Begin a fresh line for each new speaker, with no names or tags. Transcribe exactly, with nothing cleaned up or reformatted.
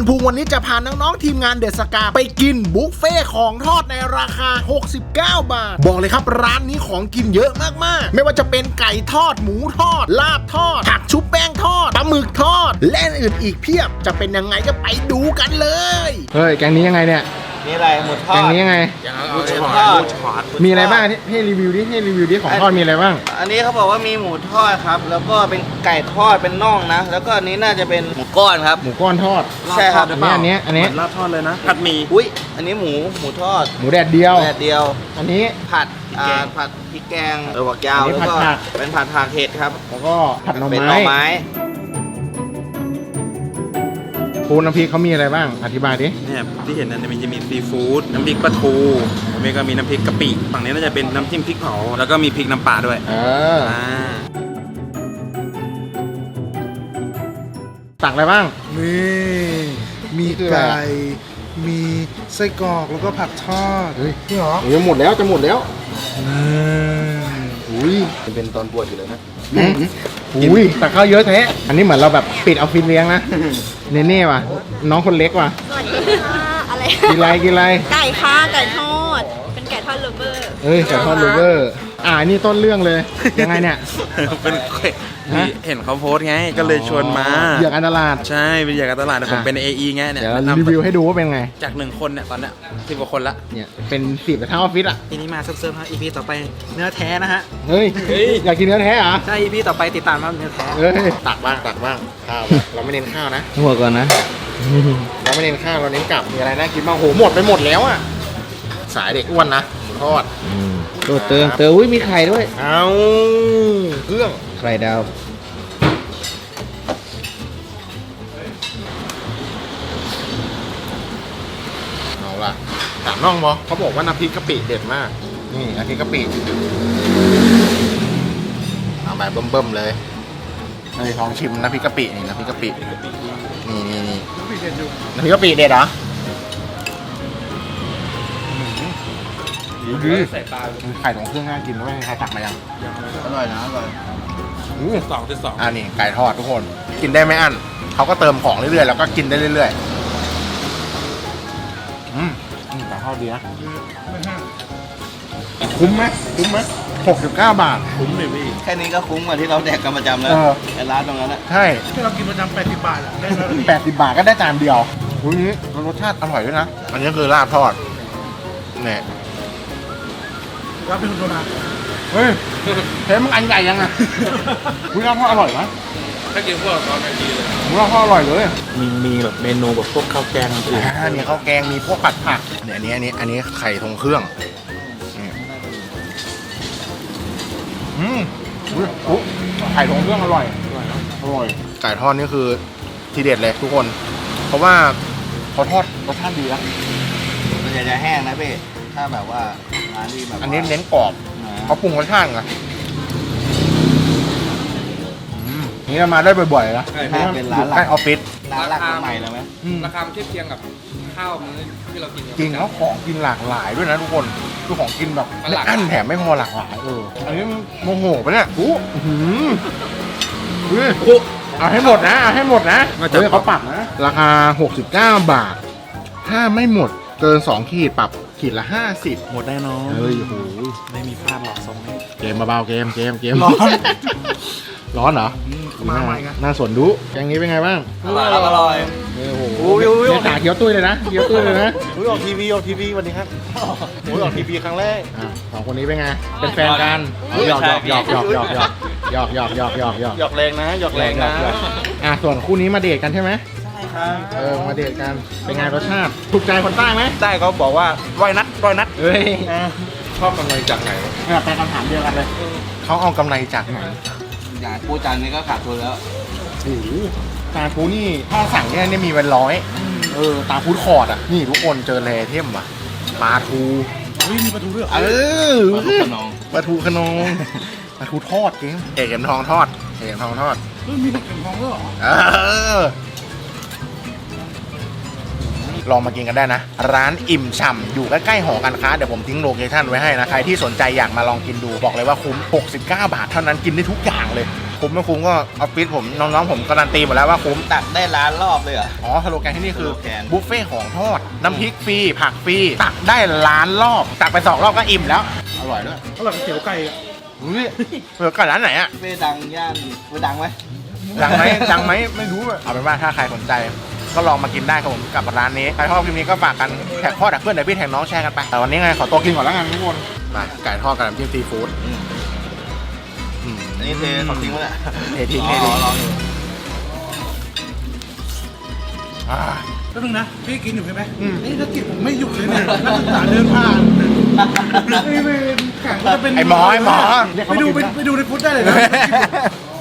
ภูมิวันนี้จะพาน้องๆทีมงานเดอะสกาไปกินบุฟเฟ่ของทอดในราคาหกสิบเก้าบาทบอกเลยครับร้านนี้ของกินเยอะมากๆไม่ว่าจะเป็นไก่ทอดหมูทอดลาบทอดผักชุบแป้งทอดปลาหมึกทอดและอื่นอีกเพียบจะเป็นยังไงก็ไปดูกันเลย
เฮ้ยแกงนี้ยังไงเนี่ย
นี่อะไรหมูทอด
แกงนี้ยังไง
หมูทอด
มีอะไรบ้างให้รีวิวดิให้รีวิวดิของทอดมีอะไรบ้าง
อันนี้เขาบอกว่ามีหมูทอดครับแล้วก็เป็นไก่ทอดเป็นน่องนะแล้วก็อันนี้น่าจะเป็นหมูก้อนครับ
หมูก้อนทอด
ใช่ครับ
อันนี้อันนี้อันนี้
ลาบทอดเลยนะผัดหมี่
อุ้ยอันนี้หมูหมูทอด
หมูแดดเดียว
แดดเดียว
อันนี้
ผัดอ่าผัดพริกแกงเออหัวยาวแล้วก็เป็นผัดผักเห็ดครับ
แล้วก็ผัดหน่อไม้
เป็นหน่อไม้
ปูน้ำพริกเขามีอะไรบ้างอธิบายดิ
เนี่ยที่เห็นนั้นมันจะมีซีฟู้ดน้ำพริกปลาทูแล้วก็มีน้ำพริกกะปิฝั่งนี้น่าจะเป็นน้ำจิ้มพริกเผาแล้วก็มีพริกน้ำปลาด้วย
เออตักอะไรบ้าง
มีมีไก่มีไส้กรอกแล้วก็ผักทอด
เฮ้ย
นี่เหรอ
จะหมดแล้วจะหมดแล้ว
อุ้ย
เป็นตอนบวชอยู่เลยนะ
อุ้ยตักข้าวเยอะแท้อันนี้เหมือนเราแบบปิดออฟฟิศเลี้ยงนะเนเน่ว่ะน้องคนเล็กว่ะ
สวัสดีค่ะอะไร
กินไรกินไร
ไก่ค่ะไก่ทอดเป็นไก่ทอดลูเบอร์
เอ้ยไก่ทอดลูเบอร์อ่านี่ต้นเรื่องเลยยังไงเนี่ย
เป็นเห็นเขาโพสไงก็เลยชวนมา
อยากการตลาด
ใช่เป็นอยากการตลาดผมเป็น เอ อี ไงเนี่ย
เดี๋ยวรีวิวให้ดูว่าเป็นไง
จากหนึ่งคนเนี่ยตอนเนี้ยสิบกว่าคนละ
เนี่ยเป็นสิบทั้งออฟฟิศอ่ะ
ทีนี้มาเซิร์ฟๆฮะ อี พี ต่อไปเนื้อแท้นะฮะ
เฮ้ยอยากกินเนื้อแท้เหรอ
ใช่ อี พี ต่อไปติดตามว่าเนื้อแท้
เฮ้ยตักบ้างตักบ้างข้าวเราไม่เน้นข้าวนะ
หัวก่อนนะ
เราไม่เน้นข้าวเราเน้นกลับมีอะไรน่ากินบ้างโหหมดไปหมดแล้วอ่ะสายเด็กอ้วนนะหมูทอด
โดดเติมเติมอุ้ยมีไข่ด้วย
เอาเครื่อง
ไข่ดาว
เอาล่ะถามน้องบอเขาบอกว่าน้ำพริกกะปิเด็ดมากนี่น้ำพริกกะปิเอาแบบเบิ่มๆเลยเฮ้ยลองชิมน้ำพริกกะปินี่น้ำพริกกะปินี่นี่นี่น้ำพริกกะปิเด็ดเหรอใส่ปลาไข่ของเครื่องน่ากินด้วยใครตักมายัง
อร่อยนะอร่อย
สองจุดสอง
อันนี้ไก่ทอดทุกคนกินได้ไม่อั้นเขาก็เติมของเรื่อยๆแล้วก็กินได้เรื่อยๆอืมไก่ทอดดีนะคุ้มไหมคุ้มไหมหกสิบเก้าบาท
คุ้มเลยพี่
แค่นี้ก็คุ้มกว่าที่เราแดกกันประจำแล้วไอ้ร้านตรงนั้นแหละ
ใช่
ที่เรากินประจำแปดสิบบาทอ่ะได้แล้ว
แปดสิบบาทก็ได้จานเดียวอุ้ยรสชาติอร่อยด้วยนะอันนี้คือลาบทอดเนี่ย
รับเป็นคนโบราณ
เฮ้ยเฮ้ยมันอันใหญ่ยังอ่ะอุ้ยลาบทอดอร่อยนะ
ถ้ากินพวกตอนนี้ดีเลย
อุ้ยลาบทอดอร่อยเลย
มีมีแบบเมนูแบบพวกข้าวแกงอื่น
อ่ามีข้าวแกงมีพวกผัดผักเนี่ยอันนี้อันนี้อันนี้ไข่ทรงเครื่องอืมอุ้ยไข่ทรงเครื่องอร่อยอร่อยนะอร่อยไก่ทอดนี่คือทีเด็ดเลยทุกคนเพราะว่าเขาทอดรสชาติดีนะ
มันจะจะแห้งนะพี่ถ้าแบบว่าร้านที่แบบ
อันนี้เน้นกรอบเขาปรุงรสชาติไงนี่เรามาได้บ่อยๆนะ
เป็นร้านหลัก
ใกล้ออฟฟิศ
ร้านหลักใหม่เลยไหม
ราคาเทียบเคียงกับข้าวมื้อที่เรากิน
จริงแล้วของกินหลากหลายด้วยนะทุกคนคือของกินแบบไม่อั้นแถมไม่พอหลากหลายเอออันนี้โมโหปะเนี่ยอู้หืมเอาให้หมดนะเอาให้หมดนะเฮ้ยเขาปรับนะราคาหกสิบเก้าบาทถ้าไม่หมดเกินสองขีดปรับขีดละห้าสิบ
หมดได้น้อง
เฮ้ยโห
ไม่มีพลาดหรอกทรงนี้
เกมเบาๆเกมเกมเกมร้อนร้อนเหรอ
มาใหม่กัน
น่าสนดูแกงนี้เป็นไงบ้าง
อร่อยอร่อย
โอ้โหเนี่ยตาเขียวตุ้ยเลยนะเขียวตุ้ยเลยนะ
อุ้ยออกทีวีออกทีวีวันนี้ครับอุ้ยออกทีวีครั้งแรก
สองคนนี้เป็นไงเป็นแฟนกันหยอกหยอกหยอกหยอกหยอกหยอกหยอกหยอกหยอกหยอกหยอก
หยอกแรงนะหยอกแรงนะ
อ่ะส่วนคู่นี้มาเดทกันใช่ไหม
ใช่ครับ
เออมาเดทกันเป็นไงรสชาติถูกใจคนใต้ไหม
ใต้เขาบอกว่าร้อยนัดร้อยนัด
เฮ้ย
ชอบกำไรจากไหน
เนี่ยเป็นคำถามเดียวกันเลยเขาเอากำไรจากไหน
อย่างปูจานนี้ก็ขาดทุนแล้ว
โอ้โหตาปูนี่ถ้าสั่งเนี่ยมีเป็นร้อยเออตาปูคอร์ดอ่ะนี่ทุกคนเจอแร่เทมว่ะปลาทู
เฮ้ยมีปลาทูด้วย
เออ
ปลาทูขนอง
ปลาทูขนองปลาทูทอดเก่งเอกเข็มทองทอดเอกเข็มทองทอด
เฮ้ยมีเข็มทองด้วยเหรอ
เออลองมากินกันได้นะร้านอิ่มฉ่ำอยู่ใกล้ๆหอการค้าเดี๋ยวผมทิ้งโลเคชั่นไว้ให้นะใครที่สนใจอยากมาลองกินดูบอกเลยว่าคุ้มหกสิบเก้าบาทเท่านั้นกินได้ทุกอย่างเลยคุ้มไม่คุ้มก็ออฟฟิศผมน้องๆผมการันตีหมดแล้วว่าคุ้ม
ตักได้ล้านรอบเลยเหรอ
อ๋อสโลแกนที่นี่คือ
สโลแกน
บุฟเฟ่ของทอด น้ำพริกฟรีผักฟรีตักได้ล้านรอบ ตักไปสองรอบก็อิ่มแล้ว อร่อยด้วย
อร่อยกับเตี๋ยวไก่อะ
อุ้ยเปิดกันร้านไหนอะ
เฟ่ดังย่านเฟ่ดังไหม
ดังไหมดังไหมไม่รู้อะเอาเป็นว่าถ้าใครสนใจ ก็ลองมากินได้ครับผมกับร้านนี้ใครชอบคลิปนี้ก็ฝากกันแท็กพ่อแท็กเพื่อนแท็กพี่แท็กน้องแชร์กันไปแต่วันนี้ไงขอตัวกินก่อนแล้วกันทุกคนมาไก่ทอดกับน้ำจิ้มซีฟู้ด
อืม
อืม
อันนี้เทของจริงวะเนี่ย
เททิ้ง
อ๋
เททิ้ง
อลองดู
อ่า
แป๊บนึงนะ พี่กินอยู่ใช่ไหม
อืม
นี่ถ้ากินผมไม่หยุดเลยเนี่ยนักศึกษาเดินผ่านไอ้เวรแข่งก็จะเป็น
ไอ้หมอไอ้หมอ
ไปดูไปไปดูในฟุตได้เลยนะ